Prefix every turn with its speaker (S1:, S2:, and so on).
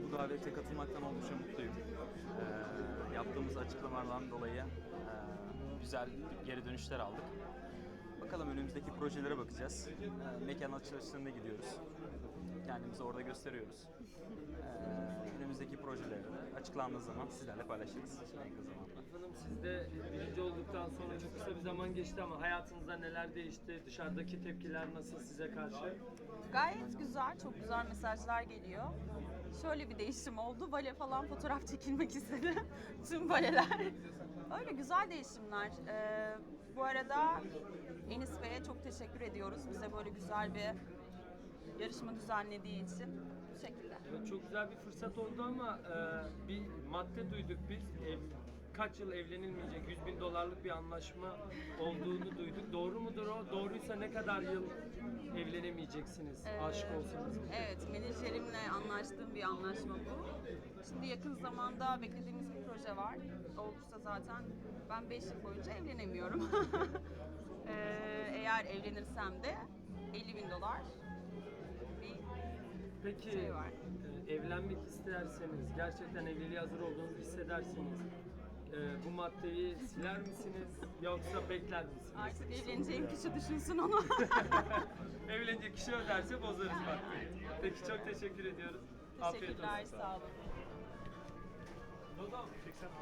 S1: bu davete katılmaktan oldukça mutluyum. Yaptığımız açıklamalardan dolayı güzel geri dönüşler aldık. Bakalım önümüzdeki projelere bakacağız. Mekan açılışlarına gidiyoruz. Kendimizi orada gösteriyoruz. Önümüzdeki projeleri de açıklandığı zaman sizlerle paylaşırız en kısa zamanda.
S2: Hanım, siz de birinci olduktan sonra çok kısa bir zaman geçti ama hayatınızda neler değişti? Dışarıdaki tepkiler nasıl size karşı?
S3: Gayet güzel, çok güzel mesajlar geliyor. Şöyle bir değişim oldu. Bale falan fotoğraf çekilmek istedi. Tüm baleler. Öyle güzel değişimler. Bu arada Enis Bey'e çok teşekkür ediyoruz. Bize böyle güzel bir yarışma düzenlediği için. Bu şekilde.
S2: Evet, çok güzel bir fırsat oldu ama bir madde duyduk biz. Kaç yıl evlenilmeyecek 100 bin dolarlık bir anlaşma olduğunu duyduk. Doğru mudur o? Doğruysa ne kadar yıl evlenemeyeceksiniz aşık olsanız?
S3: Evet, menajerimle anlaştığım bir anlaşma bu. Şimdi yakın zamanda beklediğimiz bir proje var. Olursa zaten ben 5 yıl boyunca evlenemiyorum. Eğer evlenirsem de 50 bin dolar bir
S2: Peki
S3: şey var.
S2: Evlenmek isterseniz, gerçekten evliliğe hazır olduğunuzu hissederseniz bu maddeyi siler misiniz yoksa bekler misiniz?
S3: Artık evleneceğim kişi düşünsün onu.
S2: Evlenecek kişi öderse bozarız maddeyi. Peki, çok teşekkür ediyoruz. Afiyet
S3: Teşekkürler,
S2: olsun.
S3: sağ olun.
S2: Dodam, çeksem